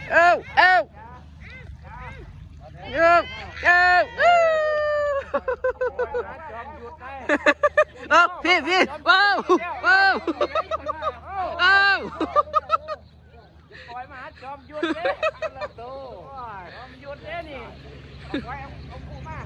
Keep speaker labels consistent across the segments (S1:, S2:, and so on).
S1: เอาเอาเอ้าเอาพี่ว้าวว้าวเอา
S2: ปล่อยมาจอมยุทธเด้จอมยุทธเด้นี่ปล่อยเอาคู่มา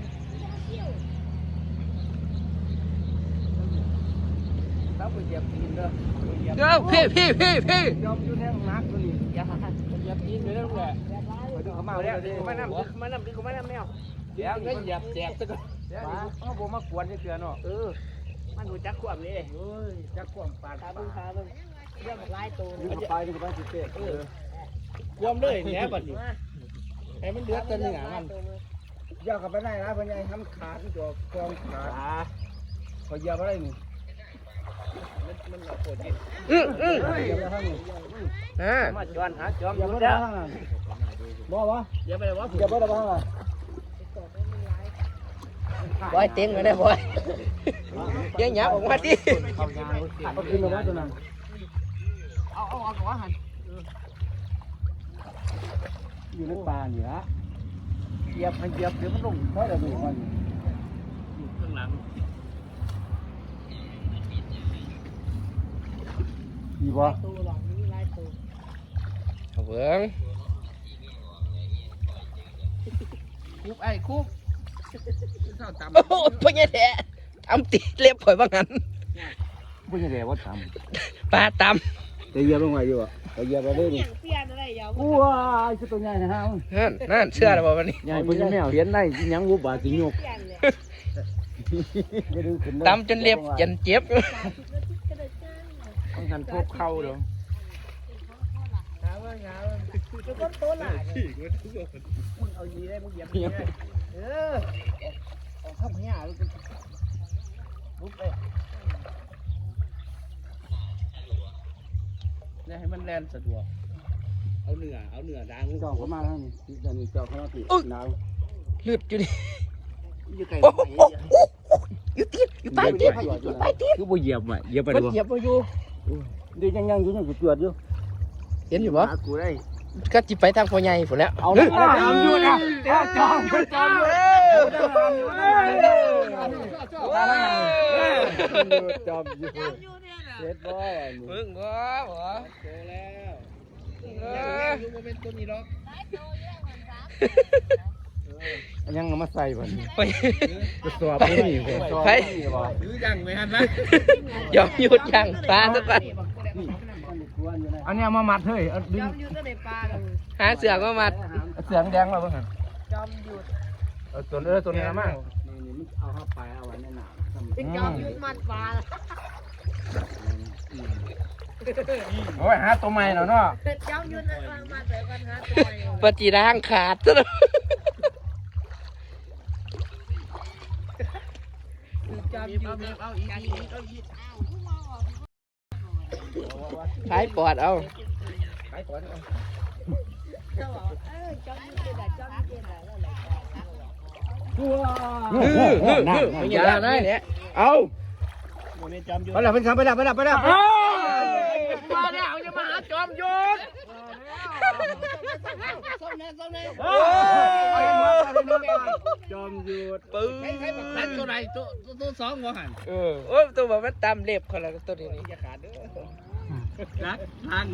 S2: แล้วไปเหยียบตีนเด้อ
S1: เอาพี่
S2: ยอมยุทธแห้งนักตัวนี้อย่าเหยียบตีนเลยนะลูกแหละไปดูเขามาแล้วมานำดึงเขามานำแมวเดี๋ยวก็เหยียบแจกซะก่อนเขาบอกมากวนเฉยๆเนาะมันหูจักความนี่เฮ้ยจักความปานขาเบิ่งเรื่องหลายตัวไปดูไปสิเต้ความเลยแหน่บัดนี้ให้มันเดือดตัวเนื้อมันย่อกับไปได้นะเพิ่นยังทำขาดตัวกองขาพอเหยียบอะไรนี่มันปวดดิเหยียบไปทางนี้มาจวนหาจอมอยู่แล้วบ่วะเหยียบไปวะเหยียบไปได้บ่ฮะ
S1: บอยเต็งเลยนะบอยยังหยาบออกมาดิ
S2: เอาขึ้นมาว่าตัวนั้นเอากับว่าหันอยู่ในป่านี่ละเหยียบเดี๋ยวมันลงเพราะอะไรมันข้างหลังดีบ่
S1: เอาเบิ้ง
S2: คุบไอ้คุบ
S1: โอ้พ่อใหญ่แท้ทำตีเล็บข่อยบ้างงั้น
S2: ไม่ใช่แล้ว่าท
S1: ปลาต
S2: ำแต่เหยียบลงไปอยู่อ่ะแต่เหยียบไปเลยนี่ว้ายคือตัวใหญ่นะฮะ
S1: นั่นเชื่อแล้วบ่วันนี้
S2: ใหญ่เป็นแมวเห็นได้ยังวุบบาสิงก
S1: ตำจนเล็บยันเจ็บ
S2: ต้องหันพวกเข้าเด้อเอายีได้มึงเหยียบเอาข้าวเหนียวลุกเลยเนี่ยให้มันแล่นสะดวกเอาเหนือดังจ่อเข้ามาแล้วนี่เดี๋ยวนี้จ่อเข้ามาติดหนาว
S1: เลือดอยู่ดิ
S2: อยู่ไกล
S1: อยู่ตีนอยู่ปลายตีน
S2: คือบ่เหยียบอ่ะเหยียบไปดู
S1: เหยียบไปอยู่
S2: เดี๋ยวยังอยู่จวดอยู่
S1: เห็นอยู่บ่
S2: กูได้
S1: ก็จิไปทางพ่อใหญ่ฝนแล้ว
S2: เอาจอมอยู่นะจอมอยู่เฮ็ดบ่
S1: มึงบ่
S2: เจอแล้วอยู่บ่เป็นตัวนี้หรอกยังมาใส่บ่กระสอบนี่
S1: ไป
S2: หรือยังไม่ทันนะ
S1: ยอมหยุดยังปลาสักวัน
S2: อันนี้มามัดเฮ้ยดึง
S1: หาเสือกมามัด
S2: เสือแดงมาเพิ่งหัน
S3: จอมหยุด
S2: ตัวนี้มากนี่มันเอาเข้าไปเอาไว้ในหนา
S3: เป็นจอมหยุดมัดปลา
S2: โอ้ยหาตัวใหม่แล้วเนาะ
S3: จอมหยุดมัดแบบกันหาตัวใหม่
S1: ปฏิร่างขาดซะ
S3: จอมหยุดเอาอีก
S1: ขายปอดเอา
S3: จอมหยุดเป็นจอมหยุด
S1: อย่าได้เนี่ยเอา
S2: ไปแล้วเป็นคำไปแล้วมาแล้ว
S1: จะมาหาจอมหยุด
S2: จอมหยุด
S1: ปื้อ
S2: ตัวไหนตัวสองหัวหัน
S1: โอ้ตัวแบบมันตามเล็บเขาแล้วตัวนี้
S2: อย่าขาดเด้อรักทางไง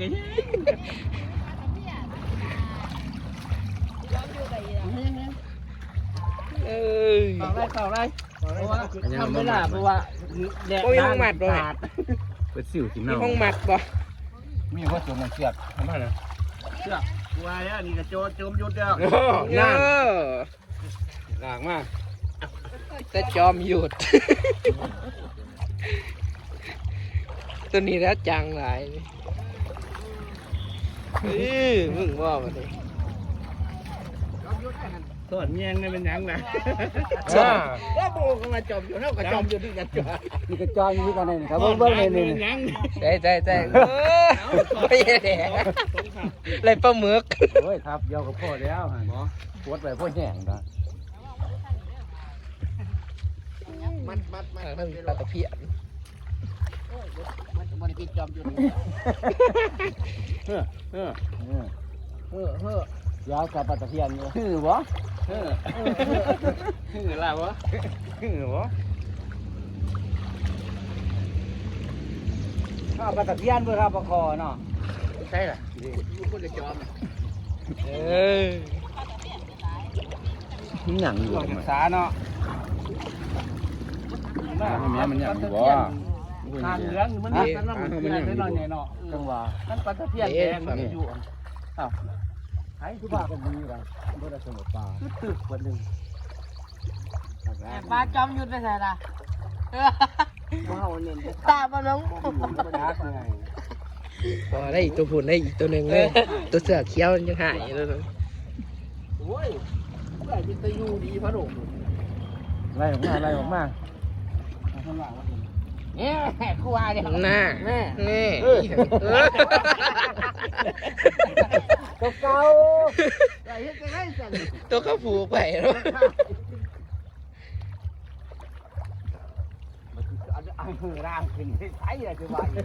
S2: เข่าไรทำไม่ได้เพราะว่า
S1: แดดห้องมัดบ่
S2: เป็นสิวกินเน่า
S1: ห้องมัดบ่
S2: มีว่าตัวมันเชือกทำไมล่ะเชือกวายอ่ะนี่กระโจมยุดเดียว
S1: นั่น
S2: หลากมาก
S1: แต่จอมหยุดตัวนี้แล้วจังหลายมึงว่ามาดิ
S2: สอนแยงนี่เป็นยังไงว่าโบก็มาจอมอยู่เท่ากับจอมอยู่ที่กันจ้ะนี่ก็จอมอยู่กันนี่ครับเบิ้งนี่
S1: ใจไม่แดงเลยปลาหมึก
S2: โอ้ยครับเดียวกับพ่อแล้วฮะหมอปวดไปพ่อแห้งนะ
S1: มันปลาตะเพียน
S2: มันปิดจอมอยู่ยาวกับปลาตะเพียนอยู่คือบ่คือล่ะบ่คือบ่ข้าวปลาตะเพียนเพื่อข้าวปลาคอเนาะใช่ล่ะคนจะจอม
S1: หนังอยู่
S2: ศึกษาเนาะ
S1: มันยังอยู่บ่
S2: ทางเหลืองมันนั่นมันเพียนน้อยๆเนาะจังหวะนั่นปลาตะเพียนแดงมันอยู่อ้าวไอ้ทุกบ้านก็มีกันบ่ได้สมุทรปลาตึกคนนึง
S3: ปลาจอมยุทธไปใส่ละ
S2: ว้าวเน้น
S3: ตาบ่น้อง
S1: พอได้อีกตัวผุนได้อีกตัวหนึ่งเลยตัวเสือเขียวยังหายเลย
S2: โอ้ยไล่เป็นตะยูดีพะโดไล่ออกมาข้างหลังเนี่ยกูว่าเนี่ย
S1: หน้า
S2: แม่
S1: นี่
S2: ตัวเก่าไล่ให้ไล่สั่น
S1: ตัวเขาผูกไปแล้ว
S2: อันมือร่างขึ้นใช่เลยคือว่าอีก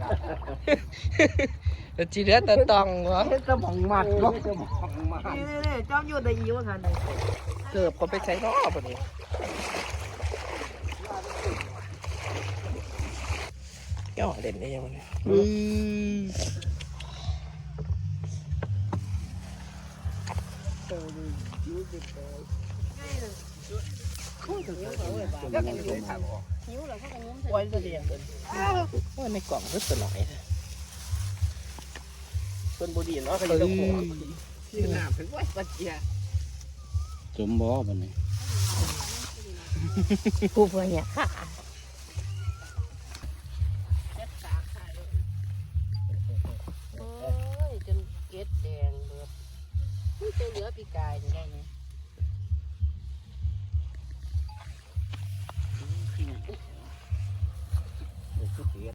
S2: แล้ว
S1: จีเรือตะตองวะ
S2: เฮ็ดสมองมัดบ่สมองมัด
S3: นี่จอมยุทธได้อีว่าคันนี้
S1: เกือบก็ไปใช้รอบนี้ย่อเด่นได้ยังไง
S3: หิวแล้วเขาก็งมใส่
S1: ไว้จะเรียนว่าในกล่องก็ตัวหน่อยต้นบุรีเนาะเขาอยู่ตรงหัวที่น้ำถึงไว้ปัจเจีย
S2: สมบ่บัดนี้
S3: ผู้เพื่อนเนี่ยค่ะโอ้ยจนเกล็ดแดงเบิดนี่จะเหลือปีกายนี่ได้ไหม